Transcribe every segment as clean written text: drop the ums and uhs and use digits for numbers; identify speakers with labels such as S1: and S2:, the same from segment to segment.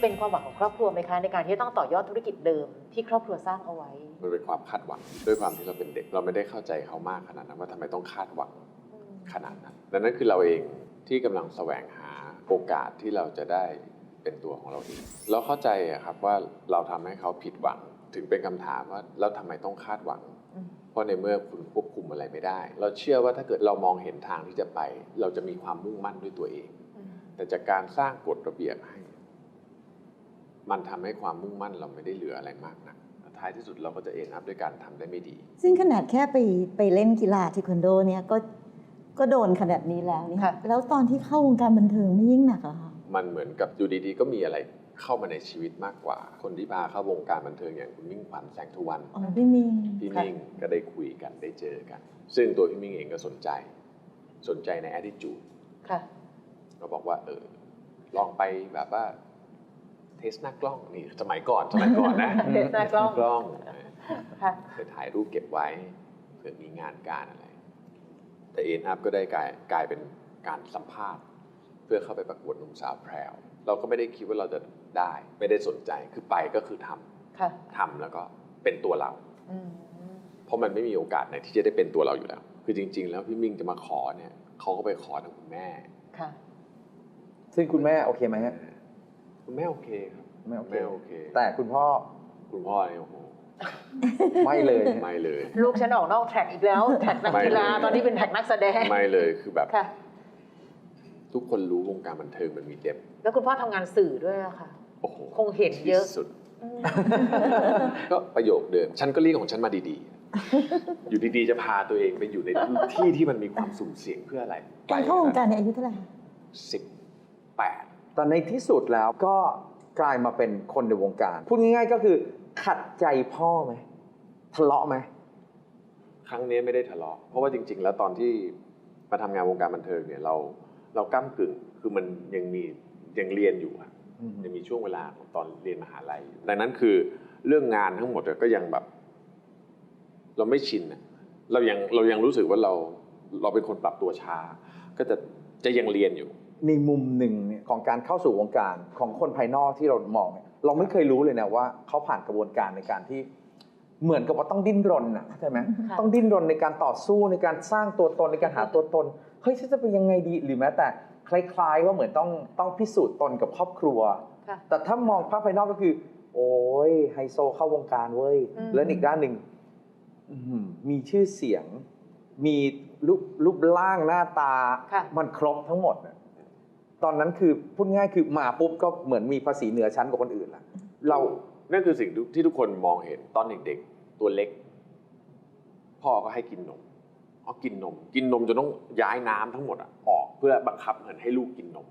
S1: เป็นความหวังของครอบครัวไหมคะในการที่ต้องต่อยอดธุรกิจเดิมที่ครอบครัวสร้างเอาไว้
S2: มันเป็นความคาดหวังด้วยความที่เราเป็นเด็กเราไม่ได้เข้าใจเขามากขนาดนั้นว่าทำไมต้องคาดหวังขนาดนั้นดังนั้นคือเราเองที่กำลังแสวงหาโอกาสที่เราจะได้เป็นตัวของเราเองเราเข้าใจครับว่าเราทำให้เขาผิดหวังถึงเป็นคำถามว่าแล้วทำไมต้องคาดหวังเพราะในเมื่อคุณควบคุมอะไรไม่ได้เราเชื่อว่าถ้าเกิดเรามองเห็นทางที่จะไปเราจะมีความมุ่งมั่นด้วยตัวเองแต่จากการสร้างกฎระเบียบให้มันทำให้ความมุ่งมั่นเราไม่ได้เหลืออะไรมากนักท้ายที่สุดเราก็จะเอ็นอัพด้วยการทำได้ไม่ดี
S3: ซึ่งขนาดแค่ไปเล่นกีฬาเทควันโดเนี่ยก็โดนขนาดนี้แล้วนี่แล้วตอนที่เข้าวงการบันเทิงไม่ยิ่งหนักเหรอคะ
S2: มันเหมือนกับอยู่ดีๆก็มีอะไรเข้ามาในชีวิตมากกว่าคนที่พาเข้าวงการบันเทิงอย่างคุณมิ่งขวัญแสงทุวรรณ
S3: พี่มิ่ง
S2: ก็ได้คุยกันได้เจอกันซึ่งตัวพี่มิ่งเองก็สนใจใน attitude ก็บอกว่าลองไปแบบว่าเทสหน้ากล้องนี่สมัยก่อนนะ
S1: เทสหน้ากล้อง
S2: ไปถ่ายรูปเก็บไว้เผื่อมีงานการอะไรแต่เอ็นอัพก็ได้กลายเป็นการสัมภาษณ์เพื่อเข้าไปประกวดหนุ่มสาวแพรวเราก็ไม่ได้คิดว่าเราจะได้ไม่ได้สนใจคือไปก็คือทำแล้วก็เป็นตัวเราเพราะมันไม่มีโอกาสไหนที่จะได้เป็นตัวเราอยู่แล้วคือจริงๆแล้วพี่มิ่งจะมาขอเนี่ยเขาก็ไปขอทางคุณแม่
S4: ซึ่งคุณแม่โอเคไหมฮะ
S2: คุณแม่โอเคครับ
S4: แม่โอเคแต่คุณพ่อ
S2: เนี่ยโอ้โห
S4: ไม่เลย
S1: ลูกฉันออกนอกแท็กอีกแล้วแท็กนักกีฬาตอนนี้เป็นแท็กนักแสดง
S2: ไม่เลยคือแบบทุกคนรู้วงการบันเทิงมันมีเดบ
S1: แล้วคุณพ่อทำงานสื่อด้วยอะค่ะ
S2: โอ้โห
S1: คงเห็นเยอะ
S2: สุดก็ประโยคเดิมฉันก็เรียกของฉันมาดีๆอยู่ดีๆจะพาตัวเองไปอยู่ในที่ที่มันมีความสุ่มเสี่ยงเพื่ออะไร
S3: การเข้าวงการในอายุเท่าไหร่
S2: 18
S4: ตอนในที่สุดแล้วก็กลายมาเป็นคนในวงการพูดง่ายๆก็คือขัดใจพ่อไหมทะเลาะไหม
S2: ครั้งนี้ไม่ได้ทะเลาะเพราะว่าจริงๆแล้วตอนที่มาทำงานวงการบันเทิงเนี่ยเราก้ำกึ่งคือมันยังเรียนอยู่อะยังมีช่วงเวลาของตอนเรียนมหาลัยดังนั้นคือเรื่องงานทั้งหมดก็ยังแบบเราไม่ชินอะเรายังรู้สึกว่าเราเป็นคนปรับตัวช้าก็จะยังเรียนอยู่
S4: ในมุมหนึ่งเนี่ยของการเข้าสู่วงการของคนภายนอกที่เรามองเนี่ยเราไม่เคยรู้เลยนะว่าเขาผ่านกระบวนการในการที่เหมือนกับว่าต้องดิ้นรนอ่ะเข้าใจไหมต้องดิ้นรนในการต่อสู้ในการสร้างตัวตนในการหาตัวตนเฮ้ยฉันจะเป็นยังไงดีหรือแม้แต่คล้ายๆว่าเหมือนต้องพิสูจน์ตนกับครอบครัวแต่ถ้ามองภาพภายนอกก็คือโอ้ยไฮโซเข้าวงการเว้ยแล้วอีกด้านหนึ่งมีชื่อเสียงมีรูปร่างหน้าตามันครบทั้งหมดตอนนั้นคือพูดง่ายคือมาปุ๊บก็เหมือนมีภาษีเหนือชั้นกว่าคนอื่นละ
S2: นั่นคือสิ่งที่ทุกคนมองเห็นตอนเด็กๆตัวเล็กพ่อก็ให้กินนมกินนมจนต้องย้ายน้ำทั้งหมดออกเพื่อบังคับให้ลูกกินนม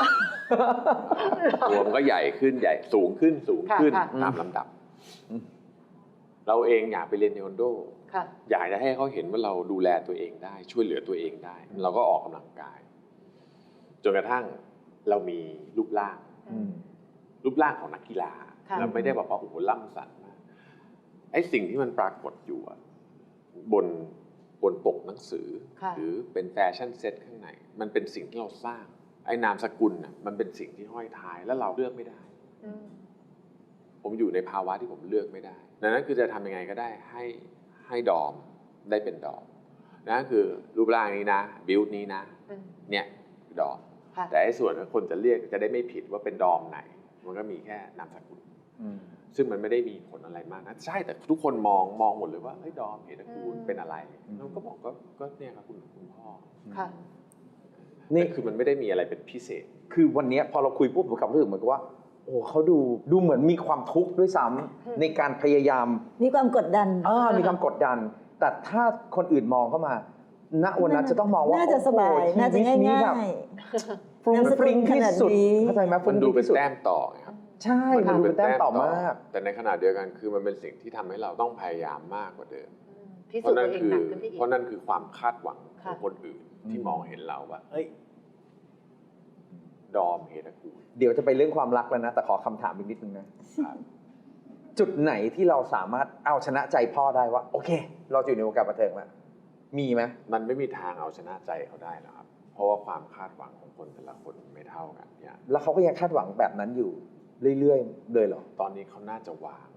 S2: ตัวมันก็ใหญ่ขึ้นสูงขึ้นตามลำดับเราเองอยากไปเรียนเทควันโดอยากจะให้เขาเห็นว่าเราดูแลตัวเองได้ช่วยเหลือตัวเองได้เราก็ออกกำลังกายจนกระทั่งเรามีรูปร่างของนักกีฬาเราไม่ได้บอกว่าโอ้โหล่ำสันมากไอ้สิ่งที่มันปรากฏอยู่บนปกหนังสือหรือเป็นแฟชั่นเซ็ตข้างในมันเป็นสิ่งที่เราสร้างไอ้นามสกุลมันเป็นสิ่งที่ห้อยท้ายแล้วเราเลือกไม่ได้ผมอยู่ในภาวะที่ผมเลือกไม่ได้ดังนั้นคือจะทำยังไงก็ได้ให้ดอมได้เป็นดอมนั่นคือรูปร่างนี้นะบิวต์นี้นะเนี่ยดอมแต่ไอ้ส่วนที่คนจะเรียกจะได้ไม่ผิดว่าเป็นดอมไหนมันก็มีแค่นามสกุลซึ่งมันไม่ได้มีผลอะไรมากนะใช่แต่ทุกคนมองหมดเลยว่าเฮ้ยดอมเหตุกูลเป็นอะไรเราก็บอกก็เนี่ยครับคุณพ่อนี่คือมันไม่ได้มีอะไรเป็นพิเศษ
S4: คือวันนี้พอเราคุยปุ๊บผมรู้สึกเหมือนกับว่าโอ้เขาดูเหมือนมีความทุกข์ด้วยซ้ำในการพยายาม
S3: มีความกดดัน
S4: มีความกดดันแต่ถ้าคนอื่นมองเข้ามาณวันนั้นจะต้องมองว่า
S3: น่าจะสบายน่าจะง่าย
S4: ๆฟรุ้งฟริ้งที่สุดเข้าใจไหม
S2: มันดูเป็นแต้มต่อครับ
S4: ใช่มันดูเป็นแต้มต่อมาก
S2: แต่ในขณะเดียวกันคือมันเป็นสิ่งที่ทำให้เราต้องพยายามมากกว่าเดิม
S1: เพราะนั่
S2: นคือความคาดหวังของคนอื่นที่มองเห็นเราว่าเฮ้ยดอมเหตุกูล
S4: เดี๋ยวจะไปเรื่องความรักแล้วนะแต่ขอคำถามอีกนิดนึงนะจุดไหนที่เราสามารถเอาชนะใจพ่อได้ว่าโอเคเราอยู่ในวงการบันเทิงแล้วมีไหม
S2: มันไม่มีทางเอาชนะใจเขาได้หรอกครับเพราะว่าความคาดหวังของคนแต่ละคนไม่เท่ากันเนี่ย
S4: แล้วเขาก็ยังคาดหวังแบบนั้นอยู่เรื่อยๆเลยเหรอ
S2: ตอนนี้เขาน่าจะวาง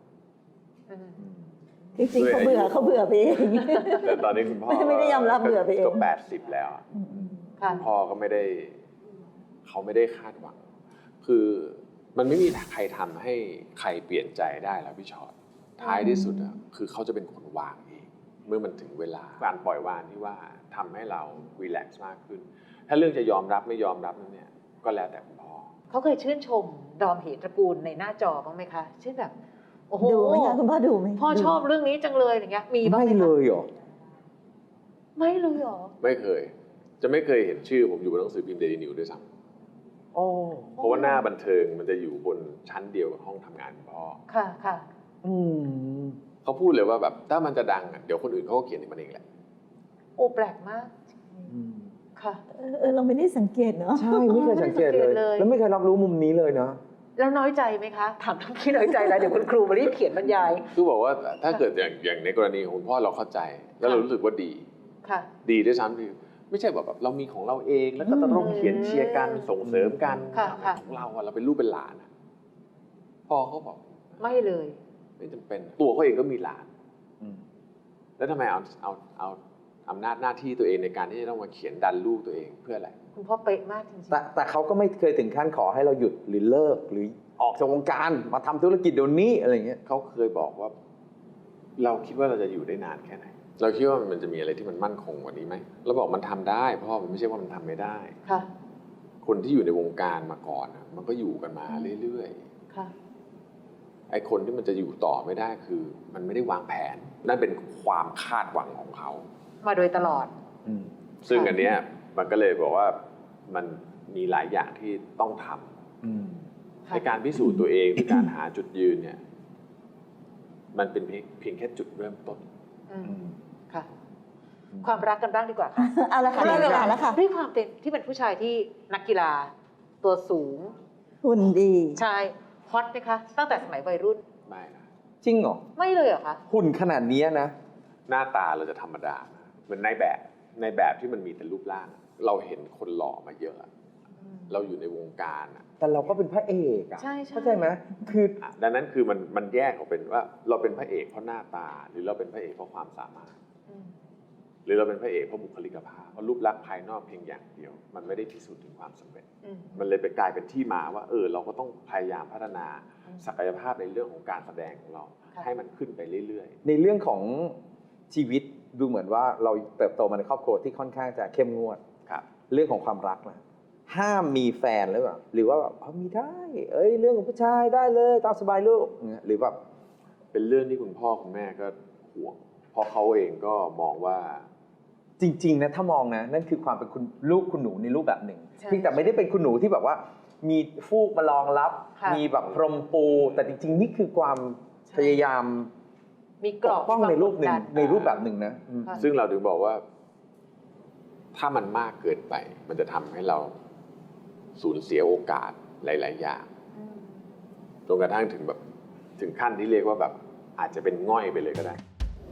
S3: จริงๆเขาเบื่อไปเอง
S2: แต่ตอนนี้คุณพ่อ
S3: ไม่ได้ยอมรับเบื่อไปเอง
S2: ก็80แล้วอะ
S1: ค่ะ
S2: คุณพ่อก็ไม่ได้เขาไม่ได้คาดหวัง คือมันไม่มีใครทำให้ใครเปลี่ยนใจได้แล้วพี่ชอตท้ายที่สุดอะคือเขาจะเป็นคนวางเองเมื่อมันถึงเวลาการปล่อยวางที่ว่าทำให้เรารีแลกซ์มากขึ้น ถ้าเรื่องจะยอมรับไม่ยอมรับนั่นเนี่ยก็แล้วแต่คุณพ่อ
S1: เขาเคยชื่นชมดอมเหตระกูลในหน้าจอบ้างไหมคะเช่นแบบโอ้โห
S3: ดูไหมคะคุณพ่อดูไหม
S1: พ่อชอบเรื่องนี้จังเลยอย่างเงี้ยมีบ้าง
S4: ไม่
S1: ไหม
S4: เล
S1: คะ
S4: ยเหรอ
S1: ไม่เลยเหรอ
S2: ไม่เคย จะไม่เคยเห็นชื่อผมอยู่บนหนังสือพิมพ์เดลินิวด้วยซ้
S4: โอ้
S2: ำเพราะว่าหน้าบันเทิงมันจะอยู่บนชั้นเดียวกับห้องทำงานคุณพ่อ
S1: ค่ะค่ะ
S4: อืม
S2: เขาพูดเลยว่าแบบถ้ามันจะดังอะเดี๋ยวคนอื่นเขาก็เขียนให้มันเองแหละ
S1: โอ้แปลกมากค่ะ
S3: เราไม่ได้สังเกตเนาะ
S4: ใช่ไม่เคยสังเกตเลย แล้วไม่เคยรับรู้มุมนี้เลยเนาะ
S1: แล้วน้อยใจไหมคะถามทั้งที่น้อยใจแล้วเดี๋ยวคุณครูมารีบเขียนบรรยาย
S2: คือบอกว่าถ้าเกิดอย่างในกรณีของคุณพ่อเราเข้าใจ แล้วเรารู้สึกว่าดี
S1: ค่ะ
S2: ดีด้วยซ้ำคือไม่ใช่แบบเรามีของเราเองแล้วก็ต้องเขียนเชียร์กันส่งเสริมกัน
S1: ค่ะค่ะ
S2: ของเราอะเราเป็นลูกเป็นหลานอะพ่อเขาบอก
S1: ไม่เลย
S2: ไม่จำเป็นตัวเขาเองก็มีหลาน
S4: อืม
S2: แล้วทำไมเอาอำนาจหน้าที่ตัวเองในการที่จะต้องมาเขียนดันลูกตัวเองเพื่ออะไร
S1: คุณพ่อเป๊ะมากจริง
S4: แต่เขาก็ไม่เคยถึงขั้นขอให้เราหยุดหรือเลิกหรือออกจากวงการมาทำธุรกิจเดี๋ยวนี้อะไรเงี้ย
S2: เขาเคยบอกว่า เราคิดว่าเราจะอยู่ได้นานแค่ไหนเราคิดว่ามันจะมีอะไรที่มันมั่นคงกว่านี้ไหมเราบอกมันทำได้เพราะมันไม่ใช่ว่ามันทำไม่ได้
S1: ๆค่ะ
S2: คนที่อยู่ในวงการมาก่อนอะมันก็อยู่กันมาเรื่อยๆ
S1: ค่ะ
S2: ไอ้คนที่มันจะอยู่ต่อไม่ได้คือ มันไม่ได้วางแผน นั่นเป็นความคาดหวังของเขา
S1: มาโดยตลอด
S2: ซึ่ง
S1: ค่ะ
S2: อันเนี้ยมันก็เลยบอกว่ามันมีหลายอย่างที่ต้องทำในการพิสูจน์ตัวเองในการหาจุดยืนเนี่ย มันเป็นเพียงแค่จุดเริ่มต้น
S1: ค่ะ ความรักกันบ้างดีกว่าค่ะ
S3: เอาละค่ะได้เวลาแล้วค่ะ
S1: ด้วยความที่เป็นผู้ชายที่นักกีฬา ตัวสูง
S3: หุ่นดี
S1: ชายฮอตไหมคะ ตั้งแต่สมัยวัยรุ่น
S2: ไม่นะ
S4: จริงเหรอ
S1: ไม่เลยเหรอคะ
S4: หุ่นขนาดนี้นะ
S2: หน้าตาเราจะธรรมดานะเหมือนในแบบที่มันมีแต่รูปร่าง เราเห็นคนหล่อมาเยอะ เราอยู่ในวงการอะ
S4: แต่เราก็เป็นพระเอกอะ
S1: ใช่ใช่
S4: เข้าใจไหมคือ
S2: ดังนั้นคือมันแยกออกเป็นว่าเราเป็นพระเอกเพราะหน้าตา หรือเราเป็นพระเอกเพราะความสามารถ หรือเราเป็นพระเอกเพราะบุคลิกภาพเพราะรูปลักษณ์ภายนอกเพียงอย่างเดียว มันไม่ได้พิสูจน์ถึงความสำเร็จ มันเลยไปกลายเป็นที่มาว่าเราก็ต้องพยายามพัฒนาศักยภาพในเรื่องของการแสดงของเรา
S1: ค่ะ
S2: ให้มันขึ้นไปเรื่อย
S4: ในเรื่องของชีวิตดูเหมือนว่าเราเติบโตมาในครอบครัวที่ค่อนข้างจะเข้มงวด
S2: ๆครับ
S4: เรื่องของความรักนะห้ามมีแฟนหรือเปล่าหรือว่าแบบมีได้ เรื่องของผู้ชายได้เลยตามสบายลูกเนี่ยหรือแบบ
S2: เป็นเรื่องที่คุณพ่อคุณแม่ก็ห่วงเพราะเขาเองก็มองว่า
S4: จริงๆนะถ้ามองนะนั่นคือความเป็นคุณลูกคุณหนูในรูปแบบหนึ่ง
S1: ใช่
S4: เพียงแต่ไม่ได้เป็นคุณหนูที่แบบว่า มีฟูกมารองรับ
S1: ค่ะ
S4: มีแบบพรมปู แต่จริงๆนี่คือความ
S1: ใช่
S4: พยายาม
S1: มีกร
S4: ป
S1: อก บ
S4: ป้องในรูปหนึ่ง
S1: ความกดดั
S4: ในรูปแบบหนึ่งนะ
S1: ค่ะ
S2: ซึ่งเราถึงบอกว่า ถ้ามันมากเกินไป มันจะทำให้เราสูญเสียโอกาสหลาย ๆ อย่างจนกระทั่งถึงขั้นที่เรียกว่าแบบอาจจะเป็นง่อยไปเลยก็ได้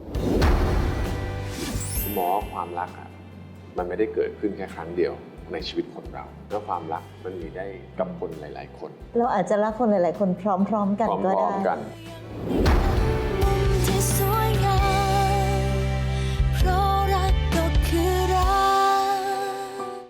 S2: หมอความรักอะมันไม่ได้เกิดขึ้นแค่ครั้งเดียวในชีวิตคนเราแล้วความรักมันมีได้กับคนหลาย ๆ คน
S3: เราอาจจะรักคนหลาย ๆ คนพร้อม ๆ กัน
S2: พ
S3: ก็
S2: ร้อ
S3: ได้
S2: มๆกัน